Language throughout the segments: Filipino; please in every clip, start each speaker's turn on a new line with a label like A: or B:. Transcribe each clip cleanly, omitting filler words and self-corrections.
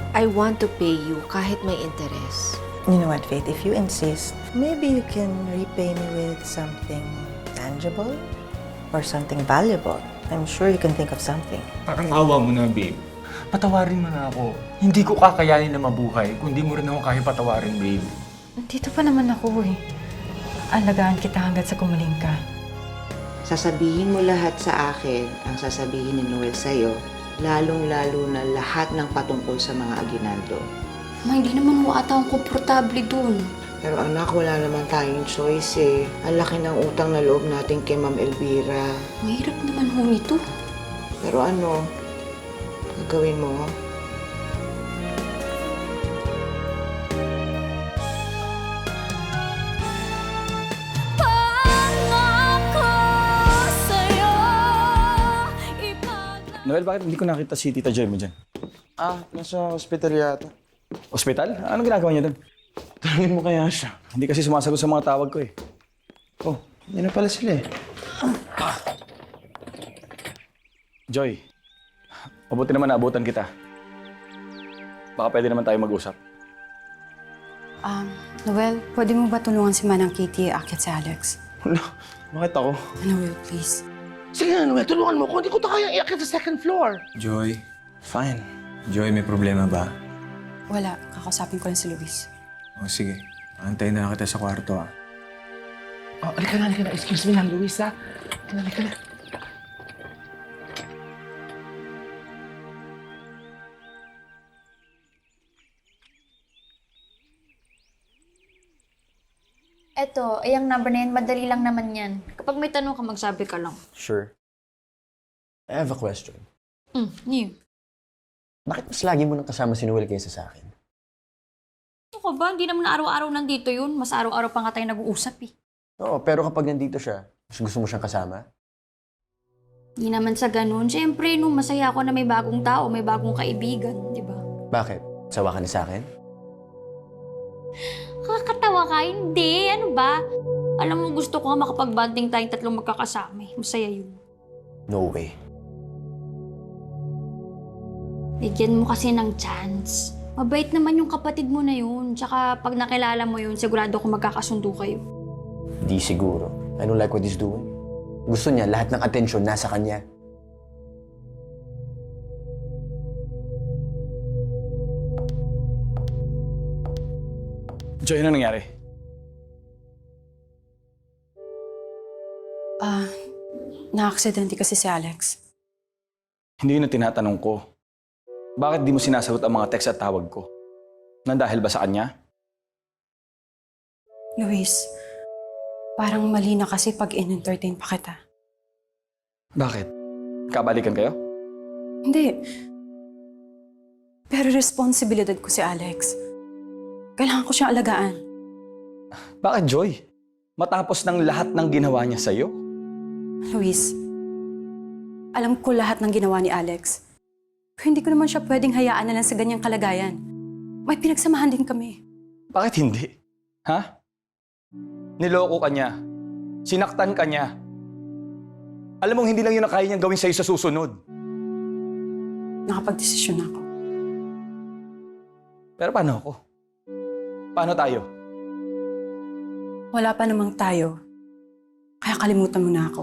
A: I want to pay you kahit may interest.
B: You know what, Faith? If you insist, maybe you can repay me with something tangible or something valuable. I'm sure you can think of something.
C: Parang awa mo na, babe. Patawarin mo na ako. Hindi ko kakayanin na mabuhay kung di mo rin ako kaya patawarin, babe.
D: Dito pa naman ako eh. Alagaan kita hanggat sa gumaling ka.
E: Sasabihin mo lahat sa akin ang sasabihin ni Noel sa'yo, lalong-lalo na lahat ng patungkol sa mga aginaldo.
F: Ma, hindi naman ho ata akong komportable dun.
E: Pero anak, wala naman tayong choice eh. Ang laki ng utang na loob natin kay Ma'am Elvira.
F: Mahirap naman ho nito.
E: Pero ano, gagawin mo?
G: Noel, bakit hindi ko nakita si Tita Joy mo dyan?
H: Nasa hospital yata.
G: Hospital? Anong ginagawa niya doon?
H: Tanungin mo kaya siya.
G: Hindi kasi sumasagot sa mga tawag ko eh.
H: Oh, yun na pala sila eh.
G: Joy, mabuti naman naabutan kita. Baka pwede naman tayo mag-usap.
D: Noel, pwede mo ba tulungan si Manang Kitty akit si Alex?
H: Wala, bakit ako?
D: Noel, please.
H: Sige na, Noel, tulungan mo ko. Hindi ko na kaya iakit sa second floor.
C: Joy,
H: Fine.
C: Joy, may problema ba?
D: Wala, kakausapin ko lang si Luis.
C: O sige, antayin na lang kita sa kwarto ah.
H: Oh, alika na. Excuse me lang, Luis, ha? Alika na.
F: Eto, yung number na yan, madali lang naman yan. Kapag may tanong ka, magsabi ka lang.
I: Sure. I have a question.
F: New.
I: Bakit mas lagi mo nang kasama si Noel kaysa sa akin?
F: Ano ka ba? Hindi naman araw-araw nandito yun. Mas araw-araw pa nga tayo nag-uusap eh.
I: Oo, pero kapag nandito siya, mas gusto mo siyang kasama?
F: Hindi naman sa ganun. Siyempre, nung masaya ako na may bagong tao, may bagong kaibigan, di ba?
I: Bakit? Sawa ka na sa akin?
F: Kakatawa ka? Hindi. Ano ba? Alam mo, gusto ko nga makapag-banding tayong tatlong magkakasama eh. Masaya yun.
I: No way.
F: Bigyan mo kasi ng chance. Mabait naman yung kapatid mo na yun. Tsaka pag nakilala mo yun, sigurado ko magkakasundo kayo.
I: Di siguro. I don't like what he's doing. Gusto niya lahat ng atensyon nasa kanya.
G: Joy, ano nangyari?
D: Na-aksidente kasi si Alex.
G: Hindi yun ang tinatanong ko. Bakit di mo sinasagot ang mga text at tawag ko? Nandahil ba sa kanya?
D: Luis, parang mali na kasi pag in-entertain pa kita.
G: Bakit? Kabalikan kayo?
D: Hindi. Pero responsibilidad ko si Alex. Kailangan ko siyang alagaan.
G: Bakit, Joy? Matapos ng lahat ng ginawa niya sa'yo?
D: Luis, alam ko lahat ng ginawa ni Alex. Pero hindi ko naman siya pwedeng hayaan na lang sa ganyang kalagayan. May pinagsamahan din kami.
G: Bakit hindi? Ha? Niloko ka niya. Sinaktan ka niya. Alam mong hindi lang yun ang kaya niyang gawin sa'yo sa susunod.
D: Nakapag-desisyon ako.
G: Pero paano ako? Paano tayo?
D: Wala pa namang tayo. Kaya kalimutan mo na ako.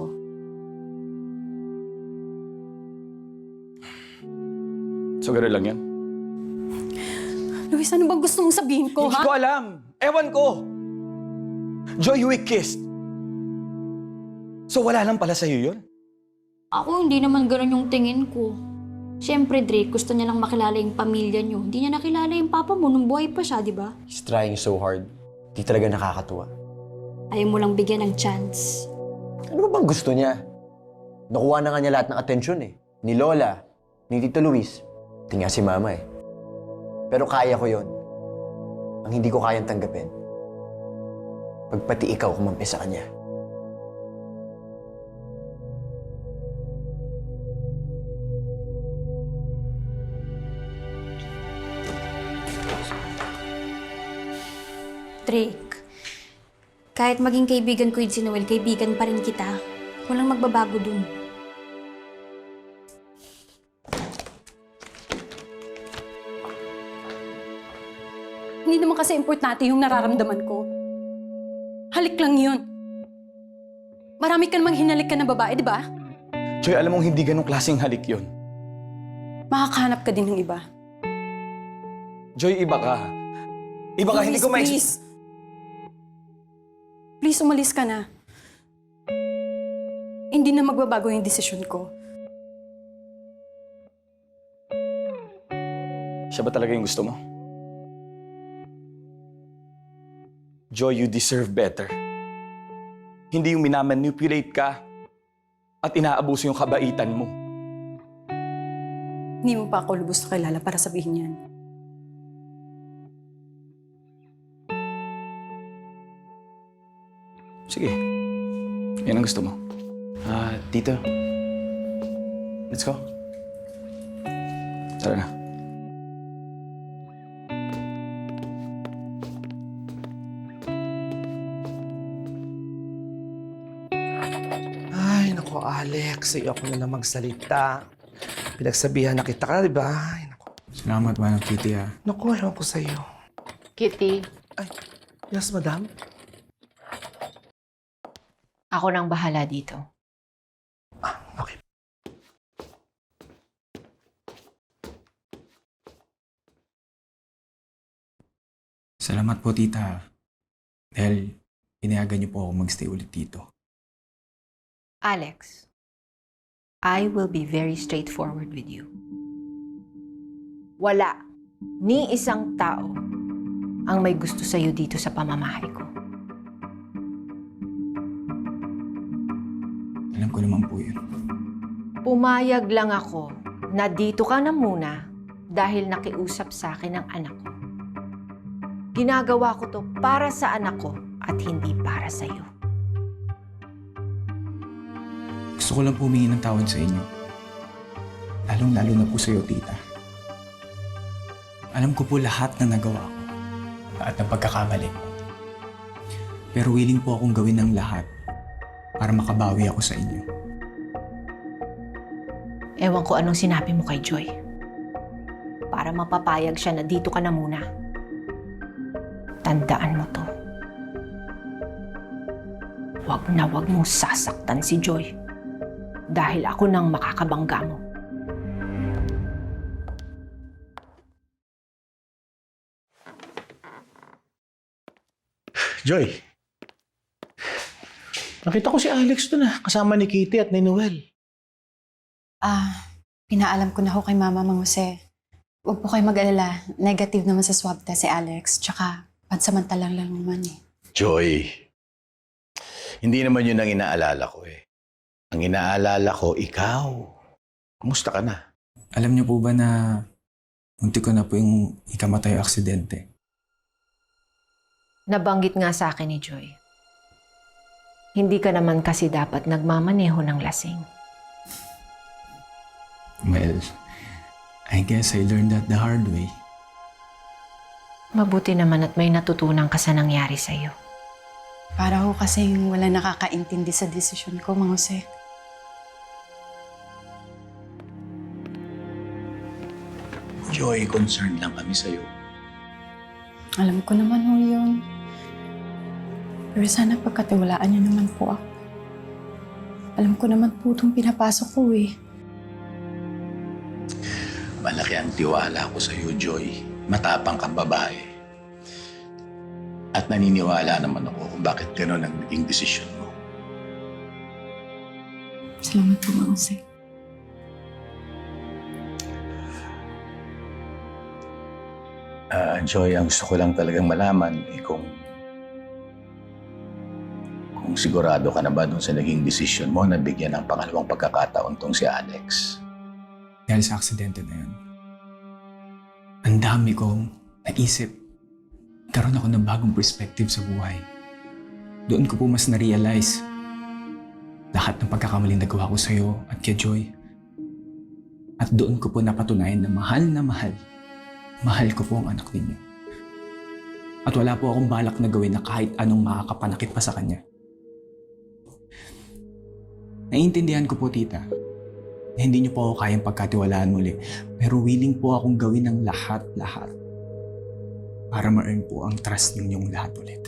G: So, gano'n lang yan?
D: Luis, ano ba gusto mong sabihin ko,
G: Hindi
D: ha?
G: ko alam. Ewan ko. Joy, we kissed. So, wala lang pala sa'yo yun?
F: Ako, hindi naman ganun yung tingin ko. Siyempre, Drake, gusto niya lang makilala yung pamilya niyo. Hindi niya nakilala yung papa mo nung buhay pa siya, di ba?
I: He's trying so hard. Di talaga nakakatuwa.
F: Ayaw mo lang bigyan ng chance.
I: Ano ba bang gusto niya? Nakuha na nga niya lahat ng atensyon eh. Ni Lola, ni Tito Luis, pati nga si Mama eh. Pero kaya ko yon. Ang hindi ko kayang tanggapin, pagpati ikaw kumampi sa kanya.
F: Drake, kahit maging kaibigan ko yun si Noel, kaibigan pa rin kita. Walang magbabago dun.
D: Hindi naman kasi importante yung nararamdaman ko. Halik lang yun. Marami ka namang hinalik ka na babae, di ba?
G: Joy, alam mong hindi ganong klaseng halik yon.
D: Makakahanap ka din ng iba.
G: Joy, iba ka. Iba ka, hindi ko
D: Please. Please, umalis ka na. Hindi na magbabago yung desisyon ko.
G: Siya ba talaga yung gusto mo? Joy, you deserve better. Hindi yung minamanipulate ka at inaabuso yung kabaitan mo.
D: Hindi mo pa ako lubos na kilala para sabihin yan.
G: Sige. Yan ang gusto mo.
H: Tito.
G: Let's go. Tara na.
H: Ay, naku, Alex. Ayoko na lang magsalita. Pinagsabihan na kita ka, di ba? Ay, naku.
C: Salamat, Manang Kitty, ha.
H: Naku, alam ko sa'yo.
A: Kitty,
H: Yes, madam?
A: ako nang bahala dito.
H: Okay.
C: Salamat po, tita. Dahil pinayagan niyo po ako magstay ulit dito.
A: Alex, I will be very straightforward with you. Wala ni isang tao ang may gusto sa'yo dito sa pamamahay ko.
C: Alam ko naman po yun.
A: Pumayag lang ako na dito ka na muna dahil nakiusap sa akin ang anak ko. Ginagawa ko to para sa anak ko at hindi para sa'yo.
C: Gusto ko lang po humingi ng tawad sa inyo. Lalong-lalo na po sa'yo, tita. Alam ko po lahat na nagawa ko at ng pagkakamali. Pero willing po akong gawin ng lahat para makabawi ako sa inyo.
A: Ewan ko anong sinabi mo kay Joy. Para mapapayag siya na dito ka na muna. Tandaan mo to. Huwag na huwag mong sasaktan si Joy. Dahil ako nang makakabangga mo.
H: Joy. Nakita ko si Alex doon kasama ni Kitty at ni Noel.
D: Pinaalam ko na ho kay Mama Mang Jose. Huwag po kayo mag-alala. Negative naman sa swab test si Alex. Tsaka, pansamantalang lang naman eh.
J: Joy, hindi naman yun ang inaalala ko eh. Ang inaalala ko, ikaw. Kumusta ka na?
C: Alam niyo po ba na munti ko na po yung ikamatay aksidente?
A: Nabanggit nga sa akin ni Joy. Hindi ka naman kasi dapat nagmamaneho ng lasing.
C: Well, I guess I learned that the hard way.
A: Mabuti naman at may natutunan ka sa nangyari sa'yo.
D: Para ho kasing wala nakakaintindi sa desisyon ko, Mang Jose.
J: Joy, concerned lang kami sa'yo.
D: Alam ko naman ho yun. Pero sana pagkatiwalaan niyo naman po ako. Alam ko naman po itong pinapasok ko eh.
J: Malaki ang tiwala ko sa'yo, Joy. Matapang kang babae. At naniniwala naman ako kung bakit gano'n ang naging desisyon mo.
D: Salamat po, Mang Jose.
J: Joy, ang gusto ko lang talagang malaman kung sigurado ka na ba dun sa naging desisyon mo na bigyan ng pangalawang pagkakataon tong si Alex.
C: Dahil sa aksidente na yun. Ang dami kong naisip. Karoon ako ng bagong perspective sa buhay. Doon ko po mas na-realize lahat ng pagkakamaling nagawa ko sa'yo at kay Joy. At doon ko po napatunayan na mahal ko po ang anak ninyo. At wala po akong balak na gawin na kahit anong makakapanakit pa sa kanya. Naiintindihan ko po, tita, na hindi niyo po ako kayang pagkatiwalaan muli. Pero willing po akong gawin ng lahat para ma-earn po ang trust ninyong lahat ulit.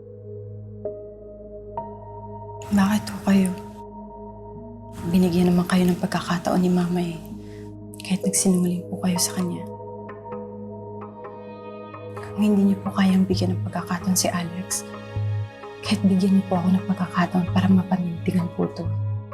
D: Bakit ho kayo? Binigyan naman kayo ng pagkakataon ni Mama eh. Kahit nagsinungaling po kayo sa kanya. Kung hindi niyo po kayang bigyan ng pagkakataon si Alex, kahit bigyan niyo po ako ng pagkakataon para mapanindigan po ito.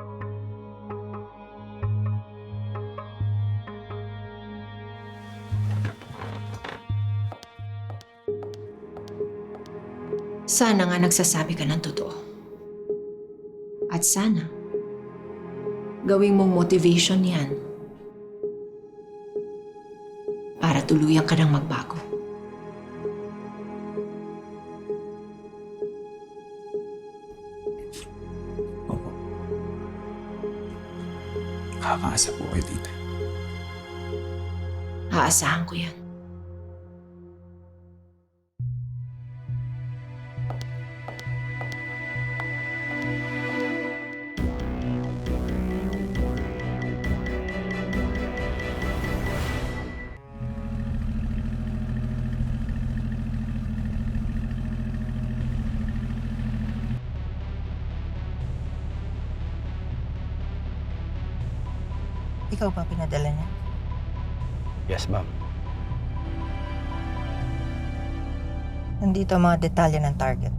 A: Sana nga nagsasabi ka ng totoo. At sana, gawing mong motivation yan para tuluyan ka ng magbago.
C: Opo. Kakaasa po kayo, tita.
A: Aasahan ko yan.
B: Ikaw ba pinadala niya?
I: Yes, ma'am.
B: Nandito ang mga detalye ng target.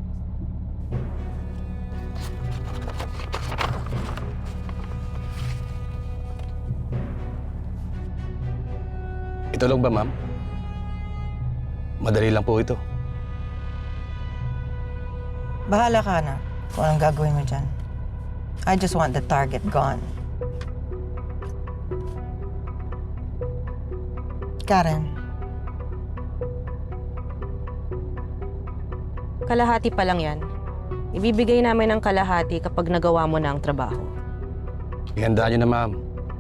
G: Ito lang ba, ma'am? Madali lang po ito.
B: Bahala ka na kung anong gagawin mo dyan. I just want the target gone. Karen,
K: Kalahati pa lang yan. Ibibigay namin ang kalahati kapag nagawa mo na ang trabaho.
G: Ihandaan niyo na, ma'am.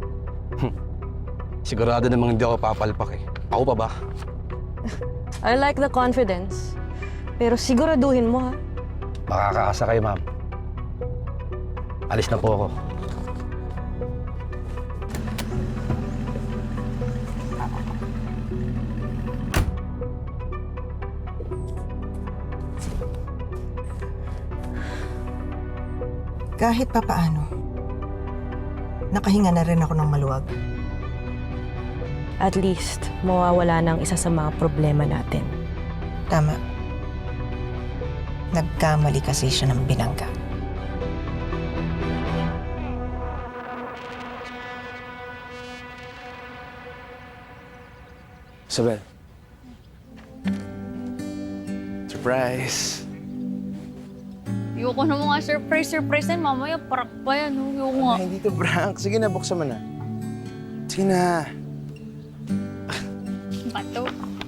G: Sigurado namang hindi ako papalpak eh. Ako pa ba?
K: I like the confidence. Pero siguraduhin mo ha.
G: Makakaasa kayo, ma'am. Alis na po ako.
B: kahit papaano, nakahinga na rin ako ng maluwag.
K: At least, mawawala ng isa sa mga problema natin.
B: Tama. Nagkamali kasi siya ng binangga.
H: Isabel. Surprise.
F: Ayoko na mga surprise yan. Mamaya, parak pa yan. Ayoko nga.
H: Ay, hindi to prank. Sige na, buksan mo na. Sige na.
F: Bato.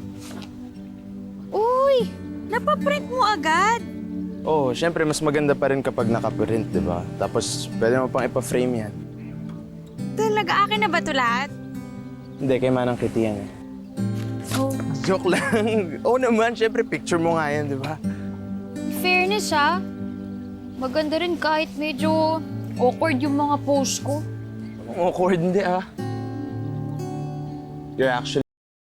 F: Uy! Napaprint mo agad?
H: Oh, syempre mas maganda pa rin kapag nakaprint, di ba? Tapos pwede mo pang ipa-frame yan.
F: Talaga, akin na ba ito lahat?
H: Hindi, kay Manang Kitty yan eh.
F: Oh.
H: Joke lang. Oo naman, syempre picture mo nga yan, di ba?
F: Fairness ha. Maganda rin kahit medyo awkward yung mga post ko.
H: Ang awkward, hindi ah. You're actually...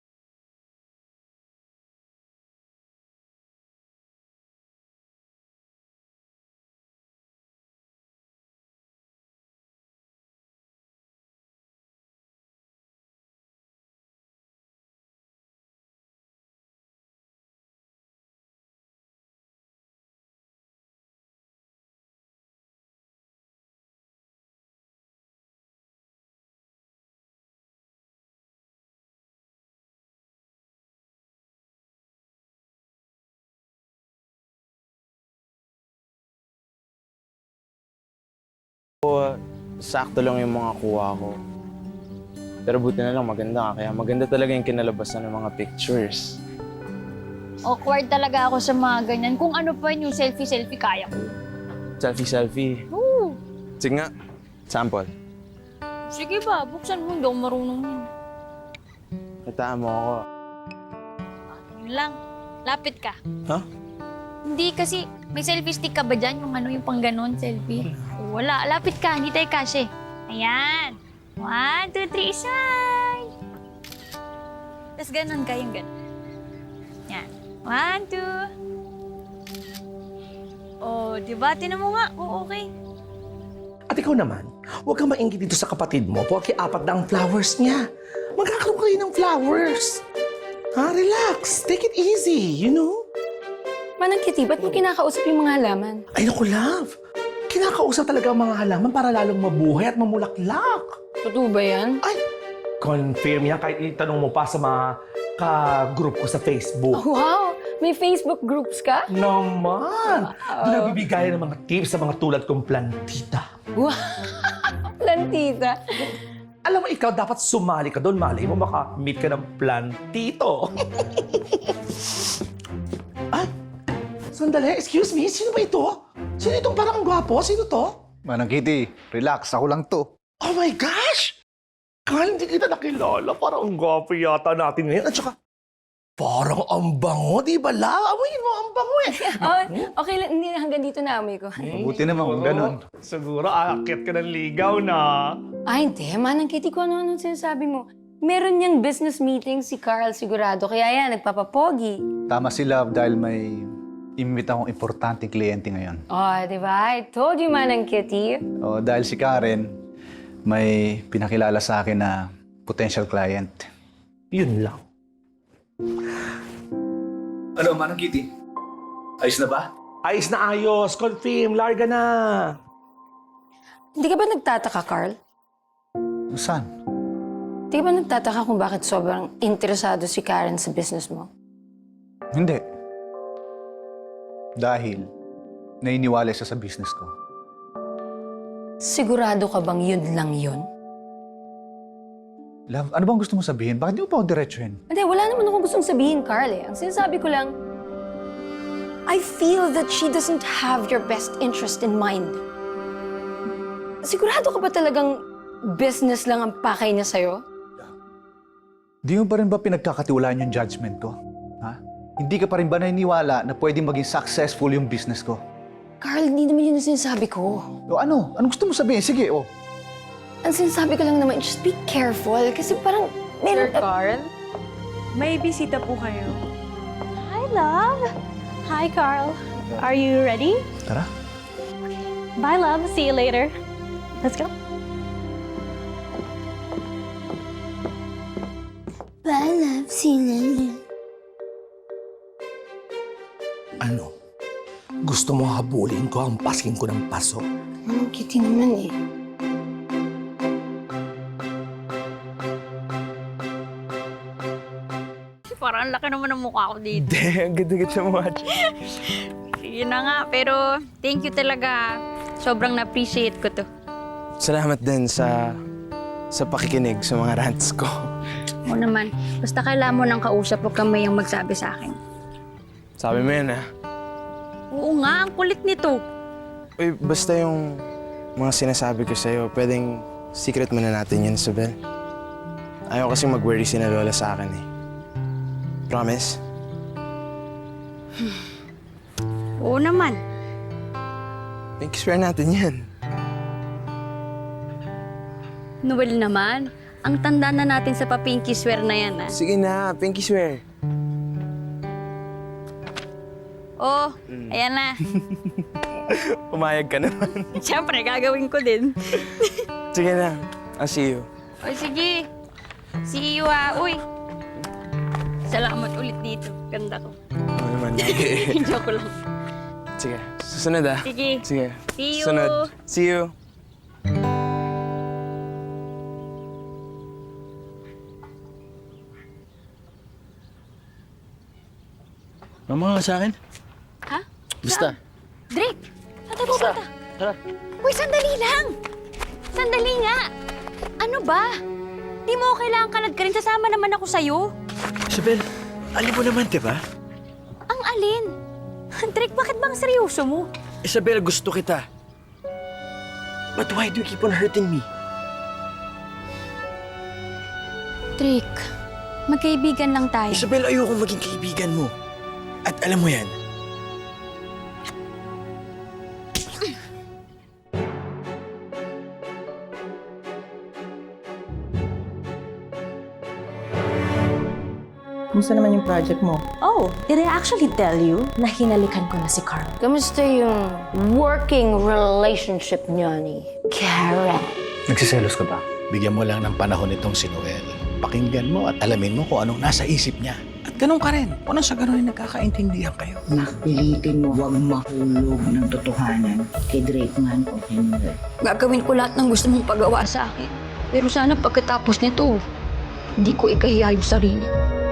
H: sakto lang yung mga kuha ko. Pero buti na lang maganda ka. Kaya maganda talaga yung kinalabasan ng mga pictures.
F: Awkward talaga ako sa mga ganyan. Kung ano pa yung selfie-selfie kaya ko.
H: Selfie-selfie.
F: Oo.
H: Sige nga. Sample.
F: Sige ba, buksan mo. Hindi ako marunong yun.
H: Kitaan mo ako.
F: Yun lang. Lapit ka.
H: Ha?
F: Hindi kasi, may selfie stick ka ba dyan? Yung ano, yung pang ganon, selfie? Wala. Lapit ka. Hindi tayo kashe. Ayan. 1, 2, 3, smile! Tapos ganon ka, yung ganon. Yan. 1, 2. Oh, diba? Tinan mo nga. Oo, okay.
H: At ikaw naman, huwag kang maingit dito sa kapatid mo porque 4 na ang flowers niya. Magkakaroon kayo ng flowers. Ha? Relax. Take it easy, you know?
D: Manang Kitty, ba't mo kinakausap yung mga halaman?
H: Ay, naku, love. Kinakausap talaga ang mga halaman para lalong mabuhay at mamulaklak.
D: Totoo ba yan?
H: Ay, confirm yan kahit itanong mo pa sa mga ka-group ko sa Facebook.
D: Wow! May Facebook groups ka?
H: Naman! Nabibigayan ng mga tips sa mga tulad kong plantita.
D: Wow! Plantita.
H: Alam mo, ikaw dapat sumali ka doon. Malay mo, maka-meet ka ng plantito. Ay, sandali. Excuse me, sino ba ito? Sino itong parang gwapo? Sino to?
L: Manang Kitty, relax. Ako lang to.
H: Oh my gosh! Kahit hindi kita nakilala, parang ang gwapo yata natin ngayon. At saka, parang ang bango, di ba la? Amoyin mo, ang bango eh.
D: Oh, okay lang, hindi hanggang dito na amoy ko.
L: Mabuti naman kung ganun.
H: Siguro, aakyat ka ng ligaw na.
D: Ay, hindi. Manang Kitty, kung ano-ano sinasabi mo. Meron niyang business meeting si Carl sigurado, kaya yan, nagpapapogi.
L: Tama si Love dahil may imbita akong importanteng kliyente ngayon.
D: Oh, di ba? I told you, Manang Kitty.
L: O, dahil si Karen, may pinakilala sa akin na potential client.
H: Yun lang.
C: Ano, Manang Kitty? Ayos na ba?
H: Ayos na ayos. Confirm. Larga na.
D: Hindi ka ba nagtataka, Carl?
L: Saan?
D: Hindi ka ba nagtataka kung bakit sobrang interesado si Karen sa business mo?
L: Hindi. Dahil nainiwala siya sa business ko.
D: Sigurado ka bang yun lang yun?
L: Love, ano bang gusto mo sabihin? Bakit di mo pa ako diretsuhin?
D: Hindi, wala naman akong gustong sabihin, Carl eh. Ang sinasabi ko lang, I feel that she doesn't have your best interest in mind. Sigurado ka ba talagang business lang ang pakay niya sa'yo?
L: Di mo pa rin ba pinagkakatiwalaan yung judgment ko? Ha? Hindi ka pa rin ba naniniwala na pwedeng maging successful yung business ko?
D: Carl, hindi naman yun ang sinasabi ko.
L: O ano? Anong gusto mo sabihin? Sige, o.
D: Ang sinasabi ko lang naman, just be careful. Kasi parang meron...
K: Carl, may bisita po kayo.
F: Hi, love. Hi, Carl. Are you ready?
L: Tara.
F: Bye, love. See you later. Let's go. Bye, love. See you later.
H: Ano? Gusto mo habulin ko ang pasking ko ng paso?
D: Manang Kitty naman eh.
F: Parang ang laki naman ng mukha ko dito.
H: Hindi, ang ganda-ganda mo, Hachi.
F: Sige na nga, pero thank you talaga. Sobrang na-appreciate ko to.
M: Salamat din sa pakikinig sa mga rants ko.
F: Oo naman. Basta kailangan mo ng kausap, huwag kang mayang magsabi sa akin.
M: Sabi mo yan, ha?
F: Oo nga, ang kulit nito.
M: Uy, basta yung mga sinasabi ko sa'yo, pwedeng secret muna natin yun, Isabel. Ayaw kasi mag-worry si na Lola sa akin, eh. Promise?
F: Oo naman.
M: Pinky swear natin yan.
F: Noel naman, ang tanda na natin sa pa-pinky swear na yan, ah.
M: Sige na, pinky swear.
F: Oh, ayan na.
M: Pumayag ka naman.
F: Siyempre, gagawin ko din.
M: Sige na, I'll see you.
F: O sige, see you, ah. Uy, salamat ulit dito. Ganda ko.
M: Ano naman, lagi.
F: Joke lang.
M: Sige, susunod, ah.
F: Sige.
M: Sige.
F: See you.
M: Sunod. See you.
J: Mama sa akin?
F: Ha?
J: Basta.
F: Drake, saan tayo pupunta?
J: Tara.
F: Uy, sandali lang! Sandali nga! Ano ba? Di mo kailangan kalad ka rin. Sasama naman ako sa'yo.
J: Isabel, alam mo naman, di ba?
F: Ang alin? Drake, bakit bang seryoso mo?
J: Isabel, gusto kita. But why do you keep on hurting me?
F: Drake, magkaibigan lang tayo.
J: Isabel, ayoko maging kaibigan mo. At alam mo yan,
B: Kumusta naman yung project mo?
N: Oh, did I actually tell you na hinalikan ko na si Carl? Kamusta yung working relationship niya ni Karen?
L: Nagsiselos ka ba?
J: Bigyan mo lang ng panahon itong si Noel. Pakinggan mo at alamin mo kung anong nasa isip niya. At ganun ka rin. Kung sa ganun ay nagkakaintindihan kayo.
E: Nakpilitin mo huwag mahulog ng totohanan kay Drake man o kay Noel.
F: Gagawin ko lahat ng gusto mong pagawa sa akin. Pero sana pagkatapos nito, hindi ko ikahiya yung sarili.